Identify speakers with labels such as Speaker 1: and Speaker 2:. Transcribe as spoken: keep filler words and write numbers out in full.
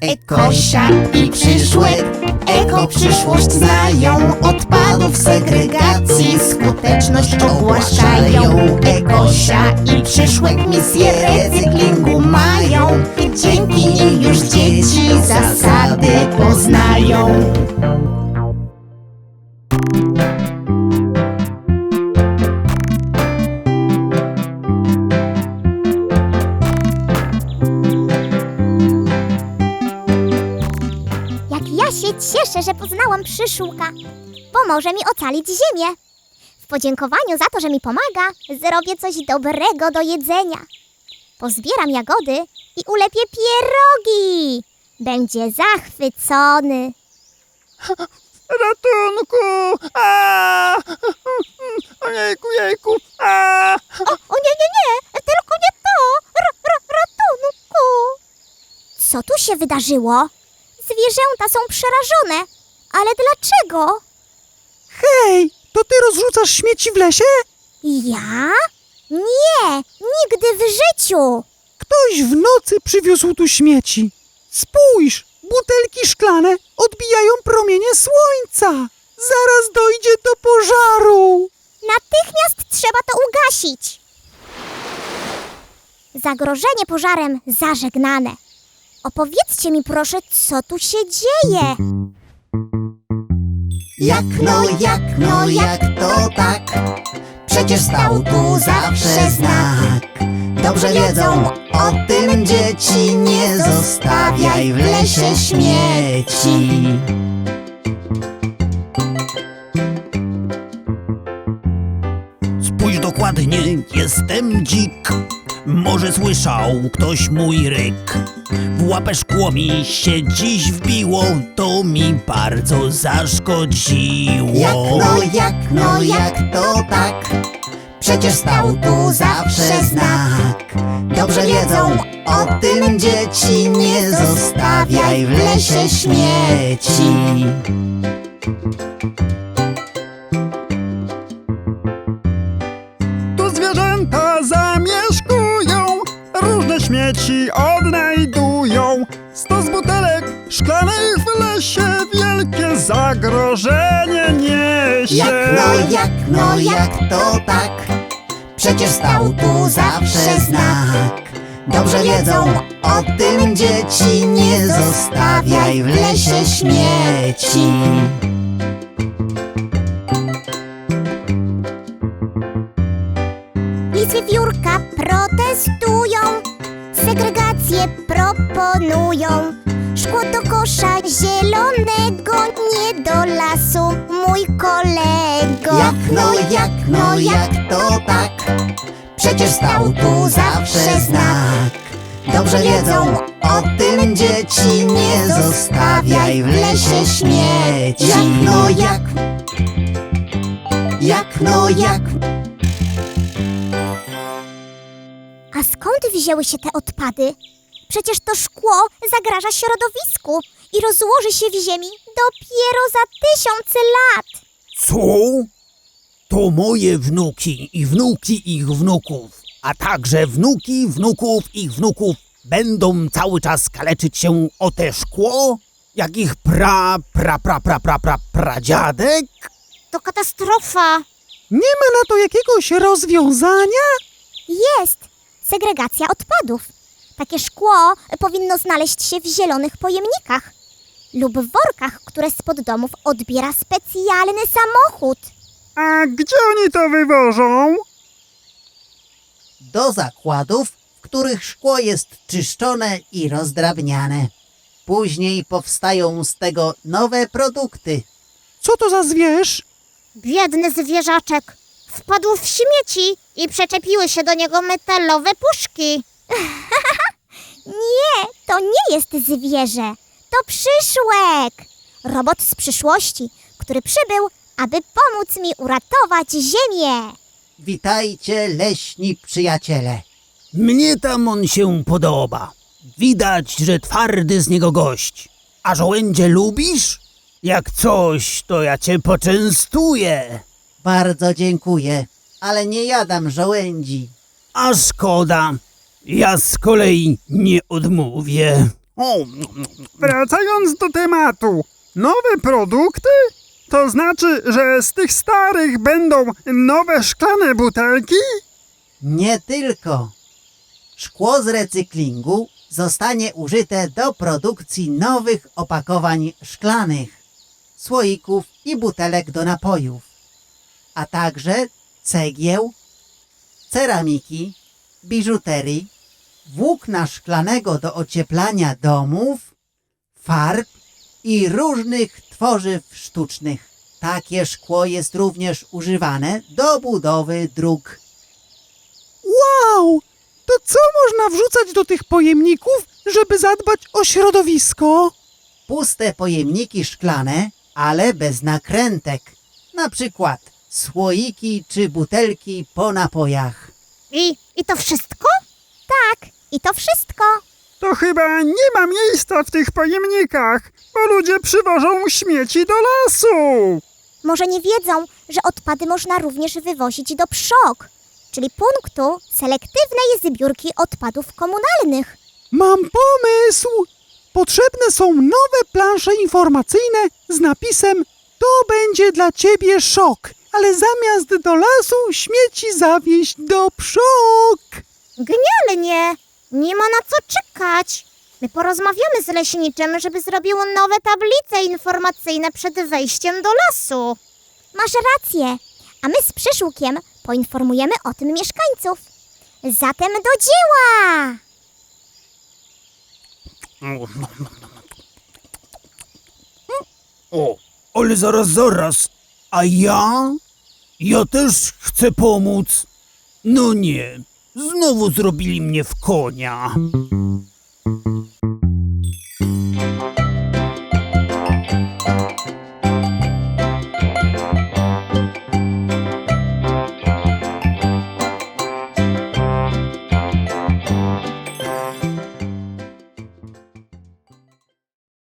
Speaker 1: Ekosia i Przyszłek. Eko przyszłość znają, odpadów segregacji skuteczność ogłaszają. Ekosia i Przyszłek misję recyklingu mają. Dzięki nim już dzieci zasady poznają.
Speaker 2: Ja się cieszę, że poznałam Przyszłka. Pomoże mi ocalić ziemię. W podziękowaniu za to, że mi pomaga, zrobię coś dobrego do jedzenia. Pozbieram jagody i ulepię pierogi. Będzie zachwycony.
Speaker 3: Ratunku! A! Ojejku, jejku! A!
Speaker 2: O, o nie, nie, nie! Tylko nie to! R, r, ratunku! Co tu się wydarzyło? Zwierzęta są przerażone. Ale dlaczego?
Speaker 3: Hej, to ty rozrzucasz śmieci w lesie?
Speaker 2: Ja? Nie, nigdy w życiu.
Speaker 3: Ktoś w nocy przywiózł tu śmieci. Spójrz, butelki szklane odbijają promienie słońca. Zaraz dojdzie do pożaru.
Speaker 2: Natychmiast trzeba to ugasić. Zagrożenie pożarem zażegnane. Opowiedzcie mi proszę, co tu się dzieje.
Speaker 1: Jak no, jak no, jak to tak? Przecież stał tu zawsze znak. Dobrze wiedzą o tym dzieci, nie zostawiaj w lesie śmieci.
Speaker 4: Spójrz dokładnie, jestem dzik. Może słyszał ktoś mój ryk. W łapę szkło mi się dziś wbiło, to mi bardzo zaszkodziło.
Speaker 1: Jak no, jak no, jak to tak? Przecież stał tu zawsze znak. Dobrze wiedzą o tym dzieci, nie zostawiaj w lesie śmieci.
Speaker 3: Tu zwierzęta zamieszkują, różne śmieci odnajdują. Stos butelek szklanych w lesie wielkie zagrożenie niesie.
Speaker 1: Jak no, jak no, jak to tak? Przecież stał tu zawsze znak. Dobrze wiedzą o tym dzieci, nie zostawiaj w lesie śmieci.
Speaker 2: I wiewiórka protestują, segregację proponują. Szkło do kosza zielonego, nie do lasu, mój kolego.
Speaker 1: Jak no, jak no, jak to tak? Przecież stał tu zawsze znak. Dobrze wiedzą o tym dzieci, nie zostawiaj w lesie śmieci. Jak no, jak, jak no, jak.
Speaker 2: A skąd wzięły się te odpady? Przecież to szkło zagraża środowisku i rozłoży się w ziemi dopiero za tysiące lat.
Speaker 4: Co? To moje wnuki i wnuki ich wnuków, a także wnuki wnuków ich wnuków będą cały czas kaleczyć się o te szkło? Jak ich pra, pra, pra, pra, pra, pra, pradziadek?
Speaker 2: To katastrofa.
Speaker 3: Nie ma na to jakiegoś rozwiązania?
Speaker 2: Jest segregacja odpadów. Takie szkło powinno znaleźć się w zielonych pojemnikach lub w workach, które spod domów odbiera specjalny samochód.
Speaker 3: A gdzie oni to wywożą?
Speaker 1: Do zakładów, w których szkło jest czyszczone i rozdrabniane. Później powstają z tego nowe produkty.
Speaker 3: Co to za zwierz?
Speaker 2: Biedny zwierzaczek wpadł w śmieci i przyczepiły się do niego metalowe puszki. Nie, to nie jest zwierzę. To Przyszłek. Robot z przyszłości, który przybył, aby pomóc mi uratować ziemię.
Speaker 1: Witajcie, leśni przyjaciele.
Speaker 4: Mnie tam on się podoba. Widać, że twardy z niego gość. A żołędzie lubisz? Jak coś, to ja cię poczęstuję.
Speaker 1: Bardzo dziękuję, ale nie jadam żołędzi.
Speaker 4: A szkoda. Ja z kolei nie odmówię. O,
Speaker 3: Wracając do tematu, nowe produkty? To znaczy, że z tych starych będą nowe szklane butelki?
Speaker 1: Nie tylko. Szkło z recyklingu zostanie użyte do produkcji nowych opakowań szklanych, słoików i butelek do napojów, a także cegieł, ceramiki, biżuterii, włókna szklanego do ocieplania domów, farb i różnych tworzyw sztucznych. Takie szkło jest również używane do budowy dróg.
Speaker 3: Wow! To co można wrzucać do tych pojemników, żeby zadbać o środowisko?
Speaker 1: Puste pojemniki szklane, ale bez nakrętek. Na przykład słoiki czy butelki po napojach.
Speaker 2: I, I to wszystko? Tak, i to wszystko.
Speaker 3: To chyba nie ma miejsca w tych pojemnikach, bo ludzie przywożą śmieci do lasu.
Speaker 2: Może nie wiedzą, że odpady można również wywozić do PSZOK, czyli punktu selektywnej zbiórki odpadów komunalnych.
Speaker 3: Mam pomysł! Potrzebne są nowe plansze informacyjne z napisem „To będzie dla ciebie szok”, ale zamiast do lasu śmieci zawieźć do PSZOK.
Speaker 2: Genialnie! Nie ma na co czekać. My porozmawiamy z leśniczym, żeby zrobił nowe tablice informacyjne przed wejściem do lasu. Masz rację, a my z Przyszłkiem poinformujemy o tym mieszkańców. Zatem do dzieła!
Speaker 4: o, ale zaraz, zaraz. A ja? Ja też chcę pomóc. No nie, znowu zrobili mnie w konia.